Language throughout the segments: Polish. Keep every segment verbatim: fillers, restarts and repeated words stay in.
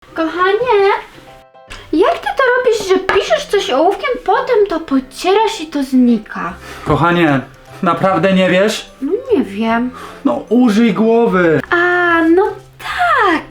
Kochanie, jak ty to robisz, że piszesz coś ołówkiem, potem to pocierasz i to znika? Kochanie, naprawdę nie wiesz? No nie wiem. No użyj głowy. A, no tak.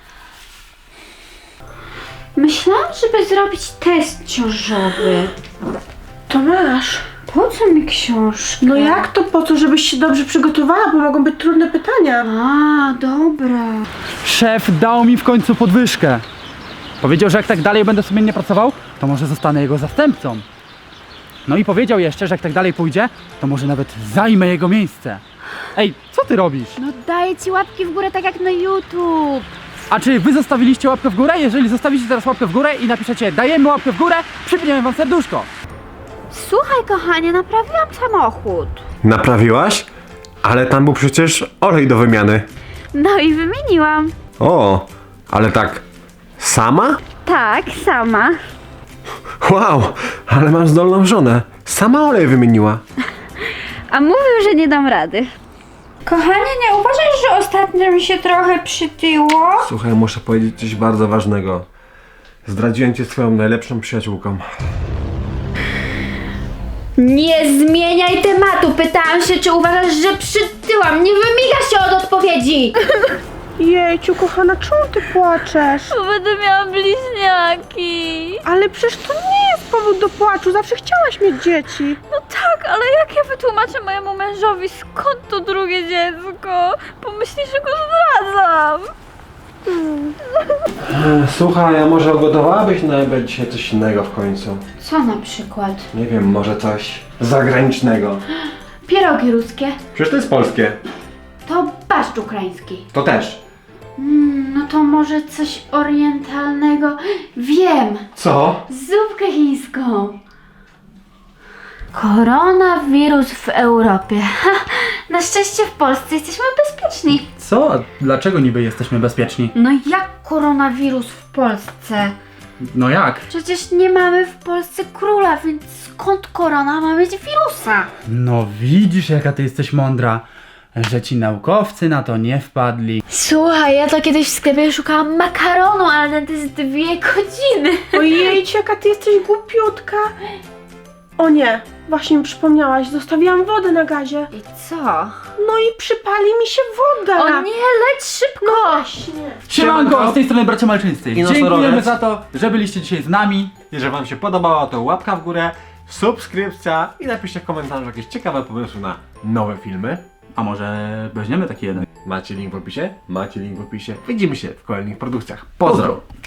Myślałam, żeby zrobić test ciążowy. To masz. Po co mi książka? No jak to po co, żebyś się dobrze przygotowała, bo mogą być trudne pytania. A, dobra. Szef dał mi w końcu podwyżkę. Powiedział, że jak tak dalej będę sumiennie pracował, to może zostanę jego zastępcą. No i powiedział jeszcze, że jak tak dalej pójdzie, to może nawet zajmę jego miejsce. Ej, co ty robisz? No daję ci łapki w górę tak jak na YouTube. A czy wy zostawiliście łapkę w górę? Jeżeli zostawicie teraz łapkę w górę i napiszecie dajemy łapkę w górę, przypniemy wam serduszko. Słuchaj, kochanie, naprawiłam samochód. Naprawiłaś? Ale tam był przecież olej do wymiany. No i wymieniłam. O, ale tak sama? Tak, sama. Wow, ale mam zdolną żonę. Sama olej wymieniła. A mówił, że nie dam rady. Kochanie, nie uważasz, że ostatnio mi się trochę przytyło? Słuchaj, muszę powiedzieć coś bardzo ważnego. Zdradziłem cię swoją najlepszą przyjaciółką. Nie zmieniaj tematu. Pytałam się, czy uważasz, że przytyłam. Nie wymiga się od odpowiedzi. Jejciu, kochana, czemu ty płaczesz? Bo będę miała bliźniaki. Ale przecież to nie jest powód do płaczu, zawsze chciałaś mieć dzieci. No tak, ale jak ja wytłumaczę mojemu mężowi, skąd to drugie dziecko? Pomyśli, że go zdradzam. Słuchaj, a może ugotowałabyś na obiad dzisiaj coś innego w końcu? Co na przykład? Nie wiem, może coś zagranicznego. Pierogi ruskie. Przecież to jest polskie. To barszcz ukraiński. To też. Mm, no to może coś orientalnego. Wiem. Co? Zupkę chińską. Koronawirus w Europie. Ha, na szczęście w Polsce jesteśmy bezpieczni. Co? A dlaczego niby jesteśmy bezpieczni? No jak koronawirus w Polsce? No jak? Przecież nie mamy w Polsce króla, więc skąd korona ma mieć wirusa? No widzisz, jaka ty jesteś mądra, że ci naukowcy na to nie wpadli. Słuchaj, ja to kiedyś w sklepie szukałam makaronu, ale to jest dwie godziny. Ojejciu, jaka ty jesteś głupiutka. O nie, właśnie mi przypomniałaś, zostawiłam wodę na gazie. I co? No i przypali mi się woda. O nie, leć szybko! Właśnie. Siemanko, z tej strony bracia Malczyńscy. I Dziękujemy nosorożec. za to, że byliście dzisiaj z nami. Jeżeli wam się podobało, to łapka w górę, subskrypcja i napiszcie w komentarzu jakieś ciekawe pomysły na nowe filmy. A może weźmiemy taki jeden? Macie link w opisie? Macie link w opisie. Widzimy się w kolejnych produkcjach. Pozdro!